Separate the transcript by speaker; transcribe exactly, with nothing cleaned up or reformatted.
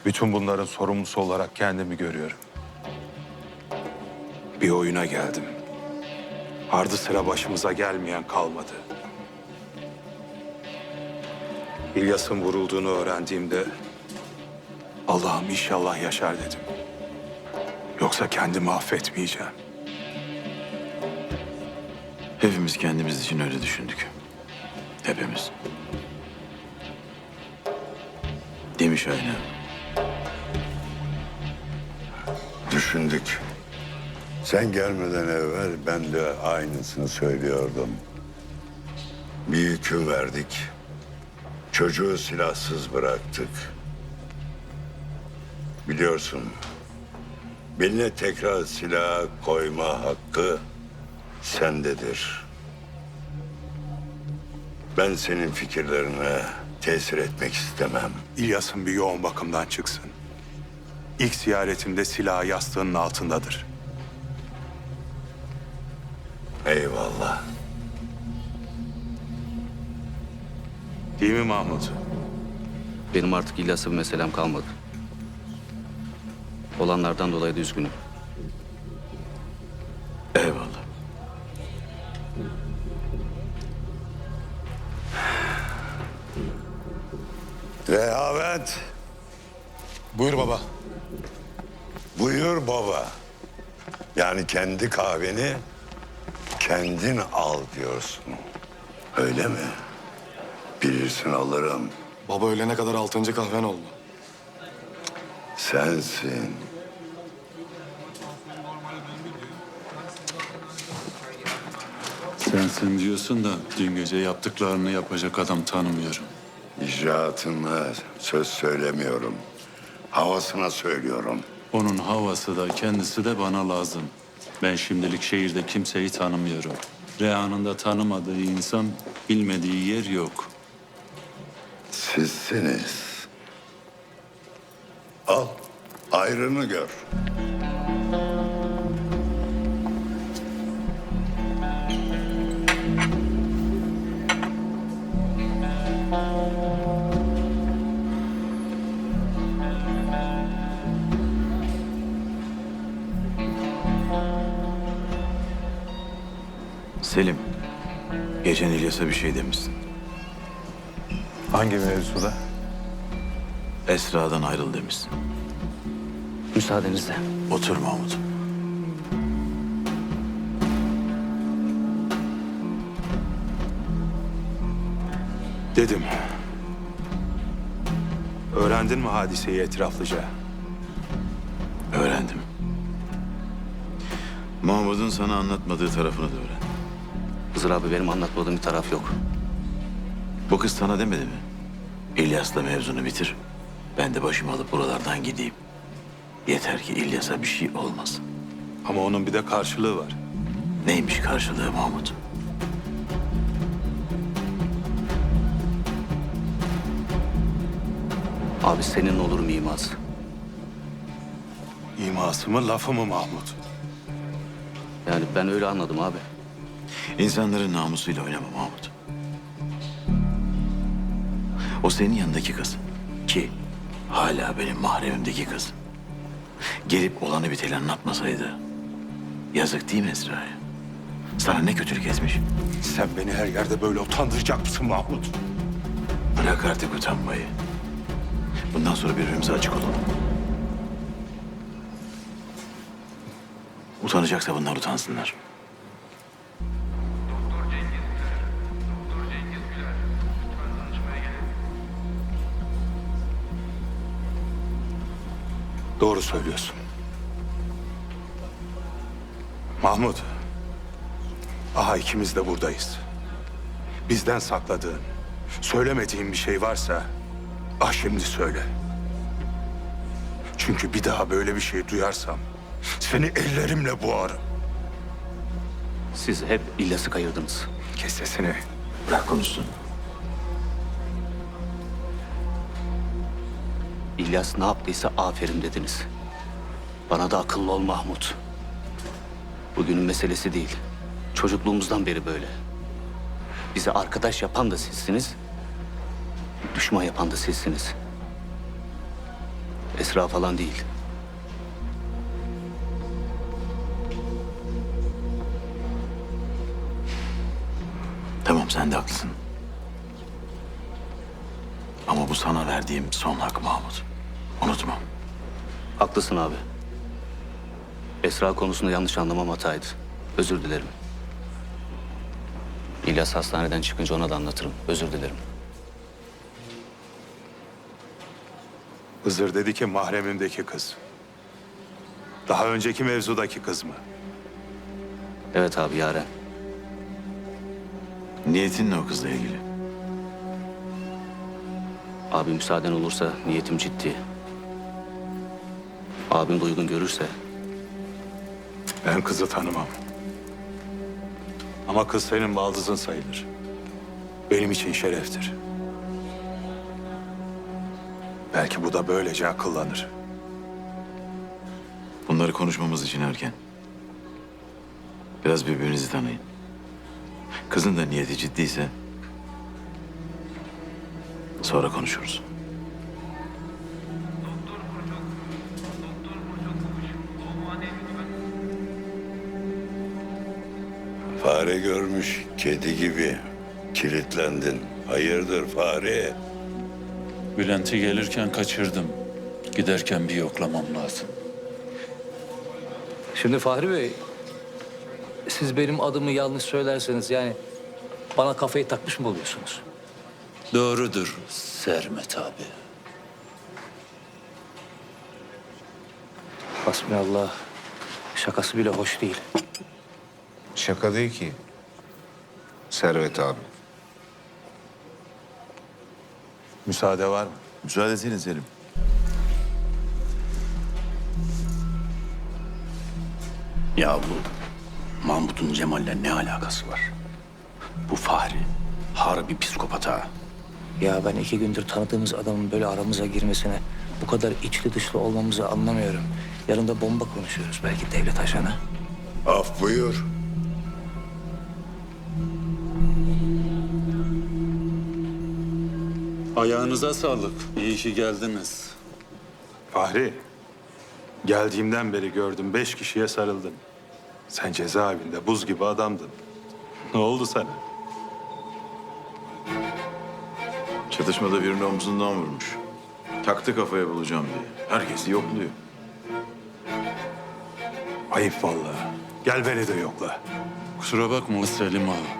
Speaker 1: Bütün bunların sorumlusu olarak kendimi görüyorum. Bir oyuna geldim. Ardı sıra başımıza gelmeyen kalmadı. İlyas'ın vurulduğunu öğrendiğimde Allah'ım inşallah yaşar dedim. Yoksa kendimi affetmeyeceğim.
Speaker 2: Hepimiz kendimiz için öyle düşündük. Hepimiz. Değil mi Şahin abi?
Speaker 3: Düşündük. Sen gelmeden evvel ben de aynısını söylüyordum. Bir hüküm verdik. Çocuğu silahsız bıraktık. Biliyorsun, beline tekrar silah koyma hakkı sendedir. Ben senin fikirlerine tesir etmek istemem.
Speaker 1: İlyas'ın bir yoğun bakımdan çıksın. İlk ziyaretimde silahı yastığının altındadır.
Speaker 3: Eyvallah.
Speaker 1: Değil mi Mahmut?
Speaker 4: Benim artık İlyas'a bir meselem kalmadı. Olanlardan dolayı da üzgünüm.
Speaker 2: Eyvallah.
Speaker 3: Rehavet.
Speaker 1: Buyur baba.
Speaker 3: Buyur baba. Yani kendi kahveni kendin al diyorsun. Öyle mi? Bilirsin alırım.
Speaker 5: Baba ölene kadar altıncı kahven oldu.
Speaker 3: Sensin.
Speaker 6: Sensin diyorsun da dün gece yaptıklarını yapacak adam tanımıyorum.
Speaker 3: İcraatına söz söylemiyorum. Havasına söylüyorum.
Speaker 6: Onun havası da kendisi de bana lazım. Ben şimdilik şehirde kimseyi tanımıyorum. Reha'nın da tanımadığı insan bilmediği yer yok.
Speaker 3: Sizsiniz. Al, ayrını gör.
Speaker 2: Selim, geçen İlyas'a bir şey demişsin.
Speaker 1: Hangi mevzuda?
Speaker 2: Esra'dan ayrıl demişsin.
Speaker 4: Müsaadenizle.
Speaker 2: Otur Mahmut.
Speaker 1: Dedim. Öğrendin mi hadiseyi etraflıca?
Speaker 2: Öğrendim. Mahmut'un sana anlatmadığı tarafını da öğrendim.
Speaker 4: Hızır abi benim anlatmadığım bir taraf yok.
Speaker 2: Bu kız sana demedi mi? İlyas'la mevzunu bitir. Ben de başımı alıp buralardan gideyim. Yeter ki İlyas'a bir şey olmasın.
Speaker 1: Ama onun bir de karşılığı var.
Speaker 2: Neymiş karşılığı Mahmut?
Speaker 4: Abi senin olurum imaz.
Speaker 1: İması mı lafı mı Mahmut?
Speaker 4: Yani ben öyle anladım abi.
Speaker 2: İnsanların namusuyla oynama Mahmut. O senin yanındaki kız. Ki hala benim mahremimdeki kız. Gelip olanı biteni anlatmasaydı. Yazık değil mi Esra'ya? Sana ne kötülük etmiş?
Speaker 1: Sen beni her yerde böyle utandıracak mısın Mahmut?
Speaker 2: Bırak artık utanmayı. Bundan sonra birbirimize açık olalım. Utanacaksa bunlar utansınlar.
Speaker 1: Doğru söylüyorsun. Mahmut. Aha ikimiz de buradayız. Bizden sakladığın, söylemediğin bir şey varsa ah şimdi söyle. Çünkü bir daha böyle bir şey duyarsam seni ellerimle boğarım.
Speaker 4: Siz hep İlyas'ı kayırdınız.
Speaker 1: Kes sesini.
Speaker 2: Bırak konuşsun.
Speaker 4: İlyas ne yaptıysa aferin dediniz. Bana da akıllı ol Mahmut. Bugünün meselesi değil. Çocukluğumuzdan beri böyle. Bizi arkadaş yapan da sizsiniz. Düşman yapan da sizsiniz. Esra falan değil.
Speaker 2: Tamam, sen de haklısın. Ama bu sana verdiğim son hak Mahmut. Unutma.
Speaker 4: Haklısın abi. Esra konusunda yanlış anlamam hataydı. Özür dilerim. İlyas hastaneden çıkınca ona da anlatırım. Özür dilerim.
Speaker 1: Hızır dedi ki mahremimdeki kız. Daha önceki mevzudaki kız mı?
Speaker 4: Evet abi, Yaren.
Speaker 2: Niyetin ne o kızla ilgili?
Speaker 4: Abi müsaaden olursa niyetim ciddi. Abim de uygun görürse
Speaker 1: Ben kızı tanımam. Ama kız senin baldızın sayılır. Benim için şereftir. Belki bu da böylece akıllanır.
Speaker 2: Bunları konuşmamız için erken. Biraz birbirinizi tanıyın. Kızın da niyeti ciddiyse sonra konuşuruz.
Speaker 3: Fare görmüş kedi gibi kilitlendin. Hayırdır fare?
Speaker 6: Bülent'i gelirken kaçırdım. Giderken bir yoklamam lazım.
Speaker 7: Şimdi Fahri Bey, siz benim adımı yanlış söylerseniz yani bana kafayı takmış mı oluyorsunuz?
Speaker 6: Doğrudur Sermet abi.
Speaker 7: Hasbinallah, şakası bile hoş değil.
Speaker 8: Şaka değil ki. Servet abi.
Speaker 1: Müsaade var mı?
Speaker 2: Müsaade senin Selim.
Speaker 9: Ya bu Mahmut'un Cemal'le ne alakası var? Bu Fahri harbi psikopat ha.
Speaker 7: Ya ben iki gündür tanıdığımız adamın böyle aramıza girmesine, bu kadar içli dışlı olmamızı anlamıyorum. Yanında bomba konuşuyoruz, belki devlet ajanı.
Speaker 3: Af buyur.
Speaker 6: Ayağınıza sağlık. İyi ki geldiniz.
Speaker 1: Fahri, geldiğimden beri gördüm beş kişiye sarıldın. Sen cezaevinde buz gibi adamdın. Ne oldu sana?
Speaker 2: Çatışmada birini omzundan vurmuş. Taktı kafaya bulacağım diye. Herkesi yokluyor.
Speaker 1: Ayıp vallahi. Gel beni de yokla.
Speaker 6: Kusura bakma Selim ağa.